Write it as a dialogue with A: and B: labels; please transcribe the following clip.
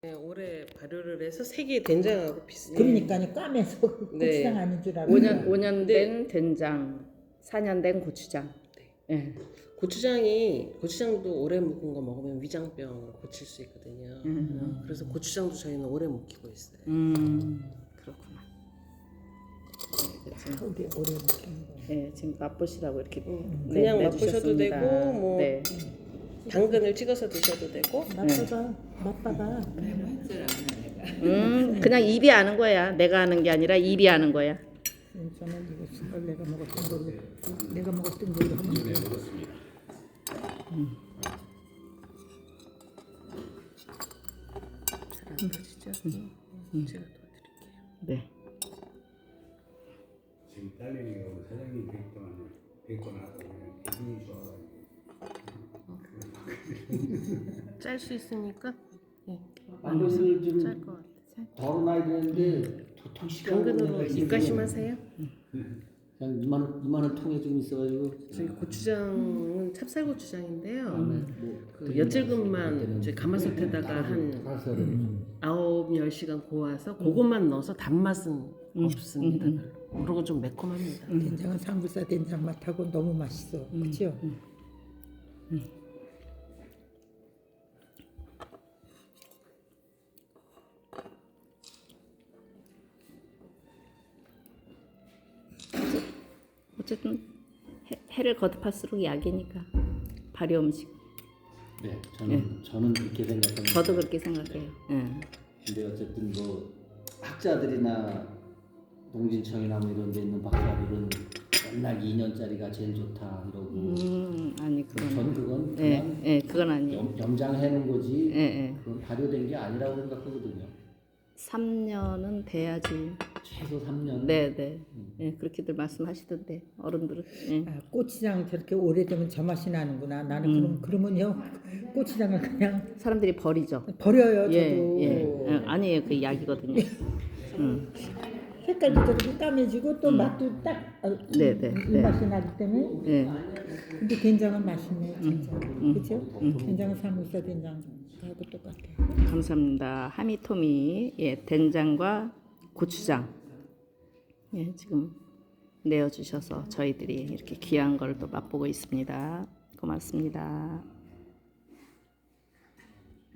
A: 네, 올해 발효를 해서 색이 된장하고 비슷해요.
B: 그러니까요. 까매서 고추장 아닌 줄 알았어요.
C: 5년
A: 네.
C: 된 된장, 4년 된 고추장. 예.
A: 고추장도 오래 묵은 거 먹으면 위장병을 고칠 수 있거든요. 그래서 고추장도 저희는 오래 묵히고 있어요.
C: 그렇구나.
B: 어디 오래 묵힌 거.
C: 네, 지금 맛보시라고 이렇게
A: 그냥 맛보셔도
C: 내주셨습니다.
A: 되고 뭐
C: 네.
A: 당근을 찍어서 드셔도 되고.
B: 맛봐봐.
C: 그냥 입이 아는 거야. 내가 아는 게 아니라 입이 아는 거야.
B: 저는 이거 신걸 내가 먹었던 걸로 하면 돼.
A: 잘안 터지죠? 제가 도와드릴게요.
C: 네.
D: 지금 딸내미가 우리 사장님 뵙고 나서 그냥 기분이 좋아가지고
A: 짤 수 있으니까
E: 마늘을 좀
A: 짤 것 같아요.
E: 덜어놔야 되는데 도통 시간
A: 당근으로 입가심하세요?
E: 그냥 이만한 통에 좀 있어가지고
A: 저희 고추장은 찹쌀고추장인데요.
E: 뭐
A: 그 엿질금만 이제 가마솥에다가 한
E: 가서
A: 9-10시간 고아서 그것만 넣어서 단맛은 없습니다. 별로. 그리고 좀 매콤합니다.
B: 된장은 삼겹살 된장 맛하고 너무 맛있어. 그렇죠?
C: 어쨌든 해를 거듭할수록 약이니까 발효 음식.
E: 네, 저는 그렇게 생각합니다.
C: 저도 그렇게 생각해요. 예.
E: 근데 어쨌든 뭐 학자들이나 농진청이나 뭐 이런 데 있는 박사들은 맨날 2년짜리가 제일 좋다 이러고
C: 아니 그건.
E: 저는 그건
C: 예,
E: 그냥
C: 예, 그건 아니에요.
E: 염장해놓은 거지
C: 예, 예.
E: 그건 발효된 게 아니라고 생각하거든요.
C: 3년은 돼야지.
E: 최소 3년.
C: 네, 네. 예, 그렇게들 말씀하시던데 어른들은. 예.
B: 아, 고추장 저렇게 오래되면 저 맛이 나는구나. 나는 그러면요 고추장을 그냥
C: 사람들이 버리죠.
B: 버려요.
C: 예,
B: 저도.
C: 예. 아니에요, 그 약이거든요.
B: 색깔도 저렇게 까매지고 또 맛도 딱
C: 네, 네,
B: 이
C: 네.
B: 맛이 나기 때문에.
C: 예.
B: 근데 된장은 맛있네 진짜. 그렇죠? 된장은 삼겹살 된장하고 똑같아.
C: 감사합니다. 하미토미, 예, 된장과 고추장, 예, 지금 내어주셔서 저희들이 이렇게 귀한 걸 또 맛보고 있습니다. 고맙습니다.